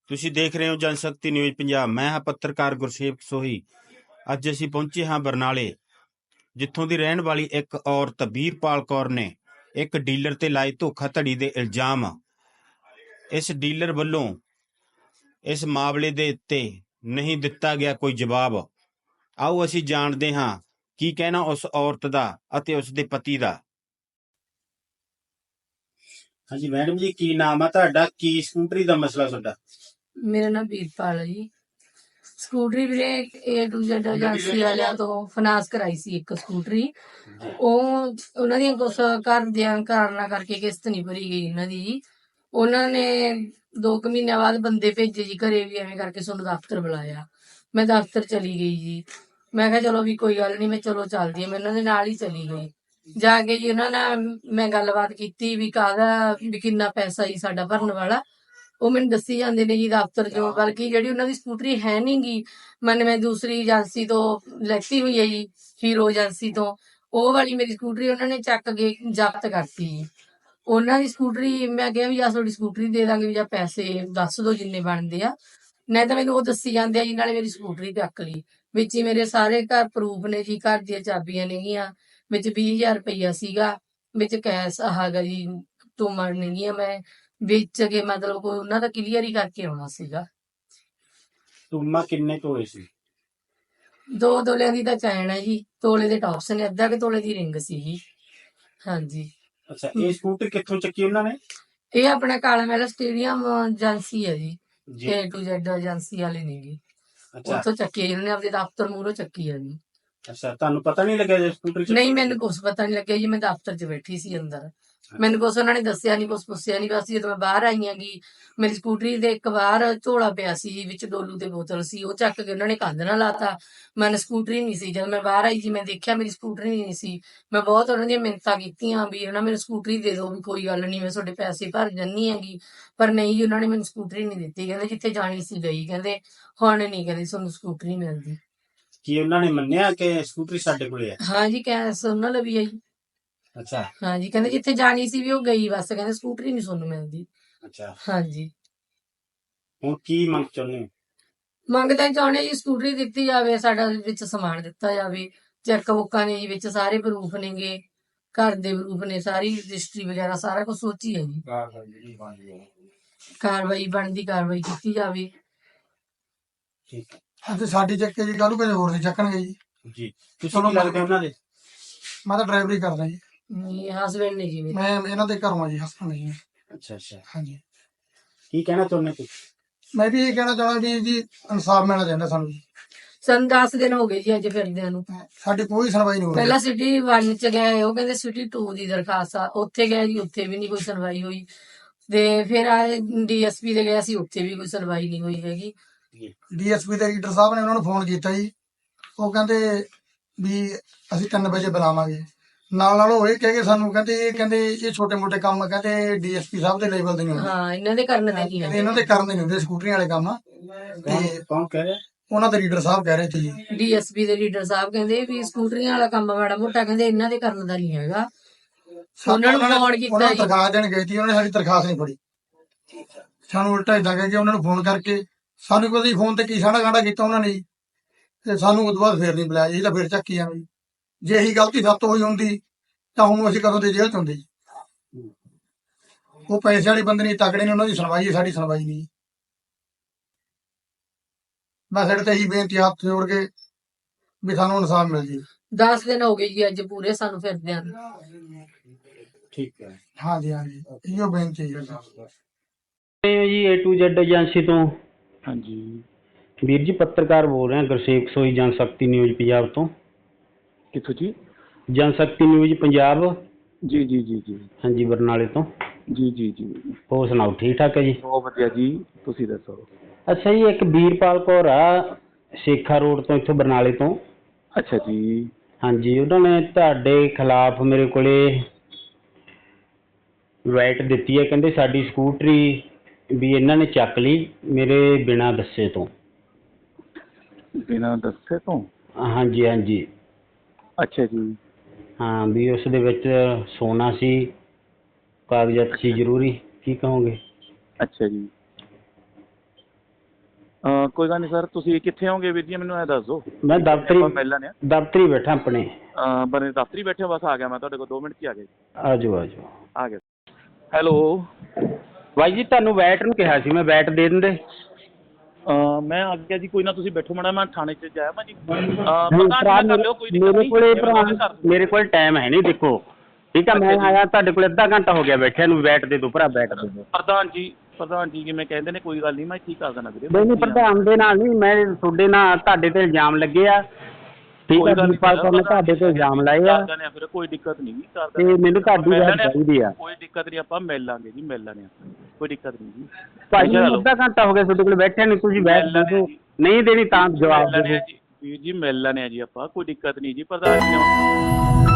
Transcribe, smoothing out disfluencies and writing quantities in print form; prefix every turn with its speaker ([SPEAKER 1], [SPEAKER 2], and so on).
[SPEAKER 1] ਤੁਸੀਂ ਦੇਖ ਰਹੇ ਹੋ ਜਨਸ਼ਕਤੀ ਨਿਊਜ਼ ਪੰਜਾਬ। ਮੈਂ ਹਾਂ ਪੱਤਰਕਾਰ ਗੁਰਸੇਵਕ ਸੋਹੀ। ਅੱਜ ਅਸੀਂ ਪਹੁੰਚੇ ਹਾਂ ਬਰਨਾਲੇ, ਜਿੱਥੋਂ ਦੀ ਰਹਿਣ ਵਾਲੀ ਇੱਕ ਔਰਤ ਵੀਰਪਾਲ ਕੌਰ ਨੇ ਇੱਕ ਡੀਲਰ ਤੇ ਲਾਏ ਧੋਖਾਧੜੀ ਦੇ ਇਲਜ਼ਾਮ। ਇਸ ਡੀਲਰ ਵੱਲੋਂ ਇਸ ਮਾਮਲੇ ਦੇ ਉੱਤੇ ਨਹੀਂ ਦਿੱਤਾ ਗਿਆ ਕੋਈ ਜਵਾਬ। ਆਓ ਅਸੀਂ ਜਾਣਦੇ ਹਾਂ ਕੀ ਕਹਿਣਾ ਉਸ ਔਰਤ ਦਾ ਅਤੇ ਉਸ ਦੇ ਪਤੀ ਦਾ। ਹਾਂਜੀ ਮੈਡਮ ਜੀ, ਕੀ ਨਾਮ ਆ ਤੁਹਾਡਾ? ਕੀ ਸਕੂਟਰੀ ਦਾ ਮਸਲਾ ਤੁਹਾਡਾ?
[SPEAKER 2] ਮੇਰਾ ਨਾਮ ਵੀਰਪਾਲ ਹੈ ਜੀ। ਸਕੂਟਰੀ ਵੀਰੇ A to Z ਏਜੰਸੀ ਵਾਲਿਆਂ ਤੋਂ ਫਾਈਨਾਂਸ ਕਰਾਈ ਸੀ ਇੱਕ ਸਕੂਟਰੀ। ਉਹਨਾਂ ਦੀਆਂ ਕੁਛ ਘਰ ਦੀਆਂ ਕਾਰਨਾਂ ਕਰਕੇ ਕਿਸ਼ਤ ਨਹੀਂ ਭਰੀ ਗਈ ਇਹਨਾਂ ਦੀ। ਉਹਨਾਂ ਨੇ 2 ਮਹੀਨਿਆਂ ਬਾਅਦ ਬੰਦੇ ਭੇਜੇ ਜੀ ਘਰੇ ਵੀ, ਐਵੇਂ ਕਰਕੇ ਸਾਨੂੰ ਦਫ਼ਤਰ ਬੁਲਾਇਆ। ਮੈਂ ਦਫ਼ਤਰ ਚਲੀ ਗਈ ਜੀ। ਮੈਂ ਕਿਹਾ ਚਲੋ ਵੀ ਕੋਈ ਗੱਲ ਨਹੀਂ, ਮੈਂ ਚਲੋ ਚੱਲਦੀ ਹਾਂ, ਮੈਂ ਉਹਨਾਂ ਦੇ ਨਾਲ ਹੀ ਚਲੀ ਗਈ। ਜਾ ਕੇ ਜੀ ਉਹਨਾਂ ਨਾਲ ਮੈਂ ਗੱਲਬਾਤ ਕੀਤੀ ਵੀ ਕਾਹਦਾ ਵੀ ਕਿੰਨਾ ਪੈਸਾ ਜੀ ਸਾਡਾ ਭਰਨ ਵਾਲਾ। ਉਹ ਮੈਨੂੰ ਦੱਸੀ ਜਾਂਦੇ ਨੇ ਜੀ ਦਫ਼ਤਰ ਚੋਂ, ਬਲਕਿ ਜਿਹੜੀ ਉਹਨਾਂ ਦੀ ਸਕੂਟਰੀ ਹੈ ਨੀ ਗੀ, ਮੈਂ ਦੂਸਰੀ ਏਜੰਸੀ ਤੋਂ ਲੈਤੀ ਹੋਈ ਹੈ ਜੀ, ਹੀਰੋ ਏਜੰਸੀ ਤੋਂ। ਉਹ ਵਾਲੀ ਮੇਰੀ ਸਕੂਟਰੀ ਉਹਨਾਂ ਨੇ ਚੱਕ ਕੇ ਜ਼ਬਤ ਕਰਤੀ ਜੀ। ਉਹਨਾਂ ਦੀ ਸਕੂਟਰੀ ਮੈਂ ਕਿਹਾ ਵੀ ਜਾਂ ਤੁਹਾਡੀ ਸਕੂਟਰੀ ਦੇ ਦਾਂਗੇ, ਵੀ ਜਾਂ ਪੈਸੇ ਦੱਸ ਦਿਓ ਜਿੰਨੇ ਬਣਦੇ ਆ, ਨਹੀਂ ਤਾਂ ਮੈਨੂੰ ਉਹ ਦੱਸੀ ਜਾਂਦੇ ਆ ਜੀ। ਨਾਲੇ ਮੇਰੀ ਸਕੂਟਰੀ ਚੱਕ ਲਈ, ਵਿੱਚ ਹੀ ਮੇਰੇ ਸਾਰੇ ਘਰ ਪ੍ਰੂਫ ਨੇ ਜੀ, ਘਰ ਦੀਆਂ ਚਾਬੀਆਂ ਨੇਗੀਆਂ, ਵਿੱਚ 20,000 ਰੁਪਈਆ ਸੀਗਾ, ਵਿੱਚ ਕੈਸ਼ ਹੈਗਾ ਜੀ, ਤੋਮੜ ਨੇਗੀਆਂ। ਮੈਂ ਵੇਚ ਕੇ ਮਤਲਬ ਕੋਈ ਉਹਨਾਂ ਦਾ ਕਲੀਅਰ ਹੀ ਕਰਕੇ ਆਉਣਾ ਸੀਗਾ।
[SPEAKER 1] ਟੂਮਾ ਕਿੰਨੇ ਤੋਲੇ ਸੀ?
[SPEAKER 2] 2 ਤੋਲਿਆਂ ਦੀ ਤਾਂ ਚੈਨ ਹੈ ਜੀ, ਤੋਲੇ ਦੇ ਟੌਪਸ ਨੇ, ਅੱਧਾ ਕਿ ਤੋਲੇ ਦੀ ਰਿੰਗ ਸੀ ਜੀ। ਹਾਂਜੀ।
[SPEAKER 1] ਅੱਛਾ, ਇਹ ਸਕੂਟਰ ਕਿੱਥੋਂ ਚੱਕੀ ਉਹਨਾਂ ਨੇ?
[SPEAKER 2] ਇਹ ਆਪਣਾ ਕਾਲਾ ਮਹਿਲ ਸਟੇਡੀਅਮ ਏਜੰਸੀ ਹੈ ਜੀ, A to Z ਏਜੰਸੀ ਵਾਲੇ ਨੇ ਜੀ। ਉੱਥੋਂ ਚੱਕੀ ਹੈ, ਉਹਨੇ ਆਪਣੇ ਦਫ਼ਤਰ ਮੂਹਰੋਂ ਚੱਕੀ ਹੈ ਜੀ।
[SPEAKER 1] ਅੱਛਾ, ਤੁਹਾਨੂੰ ਪਤਾ ਨਹੀਂ ਲੱਗਿਆ ਜੇ ਸਕੂਟਰ
[SPEAKER 2] ਨਹੀਂ, ਮੈਨੂੰ ਕੁਛ ਪਤਾ ਨਹੀਂ ਲੱਗਿਆ ਜੀ। ਮੈਂ ਦਫ਼ਤਰ 'ਚ ਬੈਠੀ ਸੀ ਅੰਦਰ, ਮੈਨੂੰ ਕੁਛ ਉਹਨਾਂ ਨੇ ਦੱਸਿਆ ਨਹੀਂ, ਕੁਛ ਪੁੱਛਿਆ ਨਹੀਂ। ਬਸ ਜਦੋਂ ਮੈਂ ਬਾਹਰ ਆਈ ਹੈਗੀ, ਮੇਰੀ ਸਕੂਟਰੀ ਦੇ ਇੱਕ ਬਾਹਰ ਝੋਲਾ ਪਿਆ ਸੀ ਜੀ, ਵਿੱਚ ਡੋਲੂ ਤੇ ਬੋਤਲ ਸੀ, ਉਹ ਚੱਕ ਕੇ ਉਹਨਾਂ ਨੇ ਕੰਧ ਨਾਲ ਲਾਤਾ। ਮੈਨੂੰ ਸਕੂਟਰੀ ਨਹੀਂ ਸੀ। ਜਦੋਂ ਮੈਂ ਬਾਹਰ ਆਈ ਜੀ, ਮੈਂ ਦੇਖਿਆ ਮੇਰੀ ਸਕੂਟਰੀ ਨਹੀਂ ਸੀ। ਮੈਂ ਬਹੁਤ ਉਹਨਾਂ ਦੀਆਂ ਮਿੰਨਤਾਂ ਕੀਤੀਆਂ ਵੀ ਉਹਨਾਂ ਮੈਨੂੰ ਸਕੂਟਰੀ ਦੇ ਦਿਓ, ਵੀ ਕੋਈ ਗੱਲ ਨਹੀਂ, ਮੈਂ ਤੁਹਾਡੇ ਪੈਸੇ ਭਰ ਜਾਂਦੀ ਹੈਗੀ। ਪਰ ਨਹੀਂ ਜੀ, ਉਹਨਾਂ ਨੇ ਮੈਨੂੰ ਸਕੂਟਰੀ ਨਹੀਂ ਦਿੱਤੀ। ਕਹਿੰਦੇ ਜਿੱਥੇ ਜਾਣੀ ਸੀ ਗਈ, ਕਹਿੰਦੇ ਹੁਣ ਨਹੀਂ, ਕਹਿੰਦੇ ਤੁਹਾਨੂੰ ਸਕੂਟਰੀ ਮਿਲਦੀ।
[SPEAKER 1] ਕੀ ਉਹਨਾਂ ਨੇ ਮੰਨਿਆ ਕਿ ਸਕੂਟਰੀ ਸਾਡੇ ਕੋਲੇ ਹੈ?
[SPEAKER 2] ਹਾਂ ਜੀ, ਕੈਸ਼ ਉਹਨਾਂ ਲਈ ਵੀ ਹੈ ਜੀ।
[SPEAKER 1] ਅੱਛਾ।
[SPEAKER 2] ਹਾਂ ਜੀ, ਕਹਿੰਦੇ ਜਿੱਥੇ ਜਾਣੀ ਸੀ ਵੀ ਉਹ ਗਈ, ਬਸ ਕਹਿੰਦੇ ਸਕੂਟਰੀ ਨਹੀਂ ਤੁਹਾਨੂੰ ਮਿਲਦੀ।
[SPEAKER 1] ਅੱਛਾ,
[SPEAKER 2] ਹਾਂਜੀ।
[SPEAKER 1] ਹੁਣ ਕੀ ਮੰਗ ਚਾਹੁੰਦੇ ਹੋ?
[SPEAKER 2] ਮੰਗਦੇ ਚਾਹੁੰਦੇ ਜੀ ਸਕੂਟਰੀ ਦਿੱਤੀ ਜਾਵੇ, ਸਾਡਾ ਵਿੱਚ ਸਮਾਨ ਦਿੱਤਾ ਜਾਵੇ। ਚੈੱਕ ਬੁੱਕਾਂ ਨੇ ਜੀ, ਵਿੱਚ ਸਾਰੇ ਪ੍ਰੂਫ ਨੇਗੇ, ਘਰ ਦੇ ਪ੍ਰੂਫ ਨੇ, ਸਾਰੀ ਰਜਿਸਟਰੀ ਵਗੈਰਾ ਸਾਰਾ ਕੁਝ ਸੋਚੀ ਹੈ ਜੀ। ਕਾਰਵਾਈ ਬਣਦੀ ਕਾਰਵਾਈ ਕੀਤੀ ਜਾਵੇ।
[SPEAKER 1] ਠੀਕ ਹੈ
[SPEAKER 3] ਅੱਜ ਸਾਡੀ ਚੱਕੇ ਜੀ, ਕੱਲ ਨੂੰ ਕਿਸੇ ਹੋਰ ਦੀ ਚੱਕਣਗੇ ਜੀ।
[SPEAKER 1] ਜੀ। ਤੁਸੀਂ ਕੀ ਲੱਗਦੇ ਉਹਨਾਂ ਦੇ?
[SPEAKER 3] ਮੈਂ ਤਾਂ ਡਰਾਈਵਰੀ ਕਰਦਾ ਜੀ।
[SPEAKER 2] ਨਹੀਂ, ਹਸਬੈਂਡ ਨੇ ਜੀ ਮੇਰੇ।
[SPEAKER 3] ਮੈਂ ਇਹਨਾਂ ਦੇ ਘਰੋਂ ਆ ਜੀ, ਹਸਬੈਂਡ ਜੀ।
[SPEAKER 1] ਅੱਛਾ ਅੱਛਾ,
[SPEAKER 3] ਹਾਂਜੀ।
[SPEAKER 1] ਕੀ ਕਹਿਣਾ ਚਾਹੁੰਦੇ ਤੁਸੀਂ?
[SPEAKER 3] ਮੈਂ ਵੀ ਇਹ ਕਹਿਣਾ ਚਾਹੁੰਦਾ ਵੀ ਜੀ ਇਨਸਾਫ ਮਿਲਣਾ ਚਾਹੀਦਾ ਸਾਨੂੰ ਜੀ।
[SPEAKER 2] ਸਾਨੂੰ 10 ਦਿਨ ਹੋ ਗਏ ਜੀ ਅੱਜ ਫਿਰਦਿਆਂ ਨੂੰ।
[SPEAKER 3] ਸਾਡੀ ਕੋਈ ਸੁਣਵਾਈ ਨਹੀਂ ਹੋ ਰਹੀ।
[SPEAKER 2] ਪਹਿਲਾਂ ਸਿਟੀ 1 ਚ ਗਏ, ਉਹ ਕਹਿੰਦੇ ਸਿਟੀ 2 ਦੀ ਦਰਖਾਸਤ ਆ, ਉੱਥੇ ਗਏ ਜੀ, ਉੱਥੇ ਵੀ ਨਹੀਂ ਕੋਈ ਸੁਣਵਾਈ ਹੋਈ। ਤੇ ਫਿਰ ਆਏ DSP ਦੇ ਗਏ ਸੀ, ਉੱਥੇ ਵੀ ਕੋਈ ਸੁਣਵਾਈ ਨਹੀਂ ਹੋਈ ਹੈਗੀ।
[SPEAKER 3] DSP ਦੇ ਲੀਡਰ ਸਾਹਿਬ ਨੇ ਉਹਨਾਂ ਨੂੰ ਫੋਨ ਕੀਤਾ ਜੀ, ਉਹ ਕਹਿੰਦੇ ਵੀ ਅਸੀਂ 3 ਵਜੇ ਬੁਲਾਵਾਂਗੇ। ਨਾਲ ਉਹ ਇਹ ਕਹਿ ਕੇ ਸਾਨੂੰ ਕਹਿੰਦੇ ਇਹ ਛੋਟੇ ਮੋਟੇ ਕੰਮ ਕਹਿੰਦੇ DSP ਸਾਹਿਬ ਦੇ ਲੈਵਲ ਦੇ ਨਹੀਂ ਹੁੰਦੇ।
[SPEAKER 2] ਹਾਂ, ਇਹਨਾਂ ਦੇ ਕਰਨ ਦੇ ਨਹੀਂ
[SPEAKER 3] ਕਹਿੰਦੇ ਇਹਨਾਂ ਦੇ ਕਰਨ ਦੇ ਨਹੀਂ ਹੁੰਦੇ ਸਕੂਟਰੀਆਂ ਵਾਲੇ ਕੰਮ। ਤੇ
[SPEAKER 1] ਕੌਣ ਕਹਿ ਰਿਹਾ?
[SPEAKER 3] ਉਹਨਾਂ ਦੇ ਲੀਡਰ ਸਾਹਿਬ ਕਹਿ ਰਹੇ ਸੀ ਜੀ।
[SPEAKER 2] DSP ਦੇ ਲੀਡਰ ਸਾਹਿਬ ਕਹਿੰਦੇ ਵੀ ਸਕੂਟਰੀਆਂ ਵਾਲਾ ਕੰਮ ਮਾੜਾ ਮੋਟਾ ਕਹਿੰਦੇ ਇਹਨਾਂ ਦੇ ਕਰਨ ਦਾ ਨਹੀਂ ਹੈਗਾ। ਉਹਨਾਂ ਨੂੰ ਫੋਨ ਕੀਤਾ
[SPEAKER 3] ਉਹਨਾਂ ਨੂੰ
[SPEAKER 2] ਜੀ,
[SPEAKER 3] ਦਰਖਾਸਤ ਦੇਣ ਗਏ ਸੀ, ਉਹਨੇ ਸਾਡੀ ਦਰਖਾਸਤ ਨਹੀਂ ਫੜੀ। ਸਾਨੂੰ ਉਲਟਾ ਇਦਾਂ ਕਹਿ ਕੇ ਉਹਨਾਂ ਨੂੰ ਫੋਨ ਕਰਕੇ ਸਾਨੂੰ ਕਦੀ ਫੋਨ ਤੇ ਕੀ ਸਾਡਾ ਗਾਂਡਾ ਕੀਤਾ ਉਹਨਾਂ ਨੇ ਜੀ। ਤੇ ਸਾਨੂੰ ਉਦੋਂ ਬਾਅਦ ਫੇਰ ਨਹੀਂ ਬੁਲਾਇਆ ਜੀ, ਤਾਂ ਫੇਰ ਚੱਕੀ ਆਵੇਂ। ਜੇ ਇਹੀ ਗਲਤੀ ਸੱਤ ਹੋਈ ਹੁੰਦੀ ਤਾਂ ਹੁਣ ਅਸੀਂ ਕਦੋਂ ਦੇ ਜੇਲ੍ਹ ਚ ਹੁੰਦੇ ਜੀ। ਉਹ ਪੈਸੇ ਵਾਲੇ ਬੰਦੇ ਨਹੀਂ, ਤਕੜੇ ਨੇ, ਉਹਨਾਂ ਦੀ ਸੁਣਵਾਈ ਹੈ, ਸਾਡੀ ਸੁਣਵਾਈ ਨਹੀਂ। ਮੈਂ ਸਾਡੇ ਤੇ ਇਹੀ ਬੇਨਤੀ ਹੱਥ ਜੋੜ ਕੇ ਵੀ ਸਾਨੂੰ ਇਨਸਾਫ ਮਿਲ ਜੀ।
[SPEAKER 2] 10 ਦਿਨ ਹੋ ਗਏ ਜੀ ਅੱਜ ਪੂਰੇ ਸਾਨੂੰ ਫਿਰਦਿਆਂ ਨੂੰ।
[SPEAKER 1] ਠੀਕ ਹੈ।
[SPEAKER 3] ਹਾਂਜੀ ਹਾਂਜੀ, ਇਹੋ ਬੇਨਤੀ ਹੈ
[SPEAKER 1] ਜੀ A to Z ਏਜੰਸੀ ਤੋਂ।
[SPEAKER 4] ਹਾਂਜੀ
[SPEAKER 1] ਵੀਰ ਜੀ, ਪੱਤਰਕਾਰ ਬੋਲ ਰਿਹਾ, ਗੁਰਸੇਵਕ ਸੋਹੀ, ਜਨਸ਼ਕਤੀ ਨਿਊਜ਼ ਪੰਜਾਬ ਤੋਂ।
[SPEAKER 4] ਕਿੱਥੋਂ ਜੀ?
[SPEAKER 1] ਜਨਸ਼ਕਤੀ ਨਿਊਜ਼ ਪੰਜਾਬ।
[SPEAKER 4] ਜੀ ਜੀ ਜੀ ਜੀ
[SPEAKER 1] ਹਾਂਜੀ, ਬਰਨਾਲੇ ਤੋਂ।
[SPEAKER 4] ਜੀ ਜੀ ਜੀ
[SPEAKER 1] ਹੋਰ ਸੁਣਾਓ, ਠੀਕ ਠਾਕ ਹੈ ਜੀ?
[SPEAKER 4] ਬਹੁਤ ਵਧੀਆ ਜੀ, ਤੁਸੀਂ ਦੱਸੋ?
[SPEAKER 1] ਅੱਛਾ ਜੀ, ਇੱਕ ਵੀਰਪਾਲ ਕੌਰ ਆ, ਸੇਖਾ ਰੋਡ ਤੋਂ, ਇੱਥੋਂ ਬਰਨਾਲੇ ਤੋਂ।
[SPEAKER 4] ਅੱਛਾ ਜੀ।
[SPEAKER 1] ਹਾਂਜੀ, ਉਹਨਾਂ ਨੇ ਤੁਹਾਡੇ ਖਿਲਾਫ ਮੇਰੇ ਕੋਲੇ ਰਾਈਟ ਦਿੱਤੀ ਹੈ। ਕਹਿੰਦੇ ਸਾਡੀ ਸਕੂਟਰੀ ਵੀ ਇਹਨਾਂ ਨੇ ਚੱਕ ਲਈ ਮੇਰੇ ਬਿਨਾਂ ਦੱਸੇ ਤੋਂ।
[SPEAKER 4] ਬਿਨਾਂ ਦੱਸੇ ਤੋਂ?
[SPEAKER 1] ਹਾਂਜੀ ਹਾਂਜੀ।
[SPEAKER 4] ਅੱਛਾ ਜੀ।
[SPEAKER 1] ਹਾਂ, ਵੀ ਉਸ ਦੇ ਵਿੱਚ ਸੋਨਾ ਸੀ, ਕਾਗਜ਼ਾਤ ਸੀ ਜ਼ਰੂਰੀ। ਕੀ ਕਹੋਗੇ?
[SPEAKER 4] ਅੱਛਾ ਜੀ। ਕੋਈ ਗੱਲ ਨਹੀਂ ਸਰ, ਤੁਸੀਂ ਕਿੱਥੇ ਹੋਗੇ ਵੀਰ ਜੀ, ਮੈਨੂੰ ਇਹ ਦੱਸ ਦਿਓ।
[SPEAKER 5] ਮੈਂ ਦਫ਼ਤਰੀ
[SPEAKER 4] ਆਪਾਂ ਮਿਲ ਲੈਂਦੇ
[SPEAKER 5] ਦਫ਼ਤਰੀ ਬੈਠਾ ਆਪਣੇ।
[SPEAKER 4] ਬਣੇ ਦਫ਼ਤਰੀ ਬੈਠੇ ਹੋ? ਬਸ ਆ ਗਿਆ ਮੈਂ ਤੁਹਾਡੇ ਕੋਲ, 2 ਮਿੰਟ 'ਚ ਹੀ ਆ ਗਿਆ ਜੀ।
[SPEAKER 5] ਆਜੋ ਆਜੋ।
[SPEAKER 4] ਆ ਗਿਆ। ਹੈਲੋ
[SPEAKER 5] ਬਾਈ ਜੀ ਤੁਹਾਨੂੰ ਵੈਟ ਨੂੰ ਕਿਹਾ ਸੀ ਮੈਂ, ਵੈਟ ਦੇ ਦਿੰਦੇ।
[SPEAKER 4] ਮੈਂ ਆ ਗਿਆ ਜੀ, ਕੋਈ ਨਾ ਤੁਸੀਂ ਬੈਠੋ ਮਾੜਾ, ਮੈਂ ਥਾਣੇ 'ਚ ਜਾਇਆ ਭਾਜੀ।
[SPEAKER 5] ਨਹੀਂ ਭਰਾ, ਮੇਰੇ ਕੋਲੇ ਭਰਾ ਮੇਰੇ ਕੋਲ ਟਾਈਮ ਹੈ ਨਹੀਂ, ਦੇਖੋ ਠੀਕ ਆ। ਮੈਂ ਆਇਆ ਤੁਹਾਡੇ ਕੋਲ ਅੱਧਾ ਘੰਟਾ ਹੋ ਗਿਆ ਬੈਠਿਆ ਨੂੰ, ਵੈਟ ਦੇ ਦਿਓ ਭਰਾ, ਵੈਟ ਦੇ ਦਿਓ।
[SPEAKER 4] ਪ੍ਰਧਾਨ ਜੀ ਜਿਵੇਂ ਕਹਿੰਦੇ ਨੇ, ਕੋਈ ਗੱਲ ਨਹੀਂ, ਮੈਂ ਠੀਕ ਕਰ ਦੇਣਾ ਵੀਰੇ।
[SPEAKER 5] ਨਹੀਂ ਨਹੀਂ ਪ੍ਰਧਾਨ ਦੇ ਨਾਲ ਨਹੀਂ, ਮੈਂ ਤੁਹਾਡੇ ਨਾਲ, ਤੁਹਾਡੇ ਤੇ ਇਲਜ਼ਾਮ ਲੱਗੇ ਆ, ਠੀਕ ਆ। ਵੀਰਪਾਲ ਕੌਰ ਨੇ ਤੁਹਾਡੇ ਤੇ ਇਲਜ਼ਾਮ ਲਾਏ ਆ,
[SPEAKER 4] ਫਿਰ ਕੋਈ ਦਿੱਕਤ ਨਹੀਂ
[SPEAKER 5] ਤੇ ਮੈਨੂੰ ਤੁਹਾਡੀ ਵੈਟ ਚਾਹੀਦੀ ਆ।
[SPEAKER 4] ਕੋਈ ਦਿੱਕਤ ਨਹੀਂ, ਆਪਾਂ ਮਿਲ ਲਾਂਗੇ ਜੀ, ਮਿਲ ਲਾਂਗੇ, ਕੋਈ ਦਿੱਕਤ ਨਹੀਂ ਜੀ।
[SPEAKER 5] ਭਾਜੀ ਮੈਨੂੰ ਅੱਧਾ ਘੰਟਾ ਹੋ ਗਿਆ ਤੁਹਾਡੇ ਕੋਲ ਬੈਠਿਆ ਨਹੀਂ, ਤੁਸੀਂ ਵੈਟ ਦੇ ਦਿਓ। ਨਹੀਂ ਦੇਣੀ ਤਾਂ ਜਵਾਬ ਦੇ ਦਿਓ
[SPEAKER 4] ਵੀਰ ਜੀ, ਮਿਲ ਲੈਣੇ ਆ ਜੀ ਆਪਾਂ, ਕੋਈ ਦਿੱਕਤ ਨਹੀਂ ਜੀ ਪ੍ਰਧਾਨ ਜੀ।